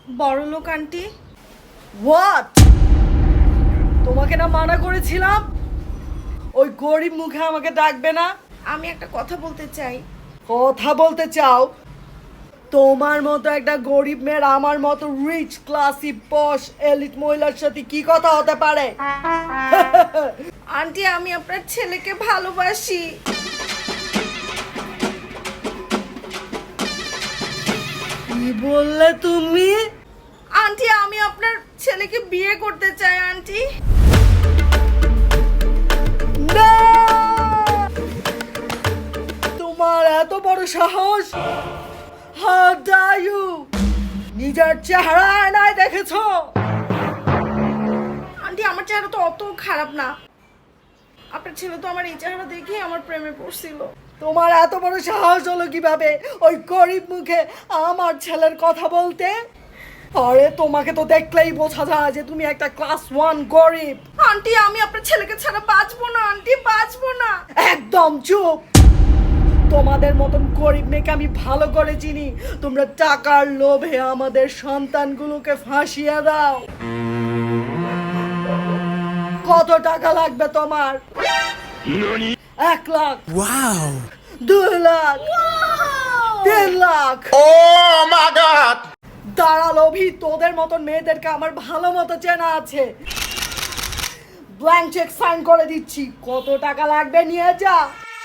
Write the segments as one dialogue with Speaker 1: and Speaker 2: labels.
Speaker 1: বড়লোক aunty.
Speaker 2: What? তোমাকে না মানা করেছিলাম ওই গরিব মুখে আমাকে ডাকবে না?
Speaker 1: আমি একটা কথা বলতে চাই।
Speaker 2: কথা বলতে চাও? তোমার মতো একটা গরিব মেয়ের আমার মতো রিচ ক্লাসি পশ এলিট মহিলার সাথে কি কথা হতে পারে?
Speaker 1: আন্টি আমি আপনার ছেলেকে ভালোবাসি।
Speaker 2: কি বললে তুমি?
Speaker 1: আন্টি আমি আপনার ছেলেকে বিয়ে করতে চাই আন্টি।
Speaker 2: না! তোমার এত বড় সাহস! How dare you! নিজের চেহারা আয়নায় দেখেছো?
Speaker 1: আন্টি আমার চেহারা তো অত খারাপ না। আপনার ছেলে তো আমার এই চেহারা দেখেই আমার প্রেমে পড়ছিল।
Speaker 2: তোমার এত বড় সাহস হলো কিভাবে ওই গরিব মুখে আমার ছেলের কথা বলতে? আরে তোমাকে তো দেখলেই বোঝা যায় যে তুমি একটা ক্লাস 1 গরিব।
Speaker 1: আন্টি আমি আপনার ছেলেকে ছাড়া বাঁচবো না আন্টি, বাঁচবো না।
Speaker 2: একদম চুপ! তোমাদের মতন গরিব মেয়েকে আমি ভালো করে চিনি। তোমরা টাকার লোভে আমাদের সন্তানগুলোকে ফাঁসিয়ে দাও। কত টাকা লাগবে তোমার? 1 lakh, 2 lakh, 3 lakh.
Speaker 3: Oh my God!
Speaker 2: দাঁড়া লোভী, তোদের মতন মেয়েদেরকে আমার ভালো মতো চেনা আছে। ব্ল্যাঙ্ক চেক সাইন করে দিচ্ছি, কত টাকা লাগবে নিয়ে যা,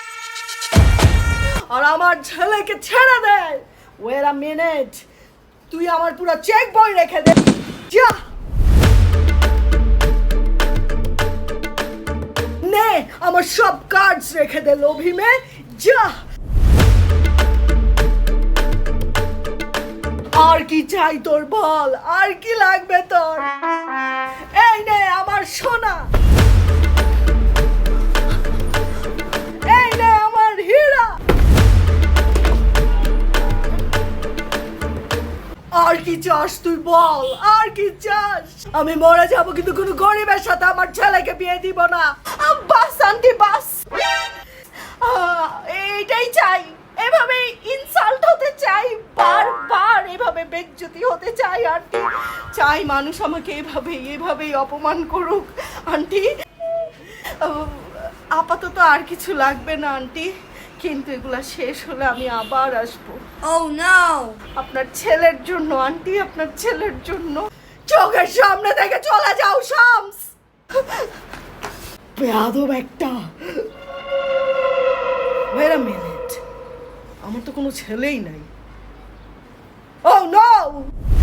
Speaker 2: আর আমার ছেলেকে ছেড়ে দে। ওয়েট আ মিনিট, তুই আমার পুরো চেক বই রেখে দে। যা নে, আমার সব কার্ডস রেখে দে লোভী মেয়ে, যা। আর কি চাই তোর বল? আর কি লাগবে তোর? এই নে আমার সোনা, এই নে আমার হীরা। আর কি চাস তুই বল? আর কি চাস? আমি মরে যাব কিন্তু কোনো গরিবের সাথে আমার ছেলেকে বিয়ে দিব না।
Speaker 1: বাস আন্টি বাস, এইটাই চাই। এভাবে ইনসাল্ট হতে চাই, বারবার এভাবে বেজ্জতি হতে চাই আন্টি। চাই মানুষ আমাকে এভাবেই অপমান করুক আন্টি। আপাতত আর কিছু লাগবে না আন্টি, কিন্তু এগুলা শেষ হলে আমি আবার আসবো।
Speaker 2: Oh no!
Speaker 1: আপনার ছেলের জন্য আন্টি, আপনার ছেলের জন্য।
Speaker 2: চোখের সামনে থেকে চলে যাও শামস, বেয়াদব একটা। Wait a minute, আমার তো কোনো ছেলেই নাই। Oh no!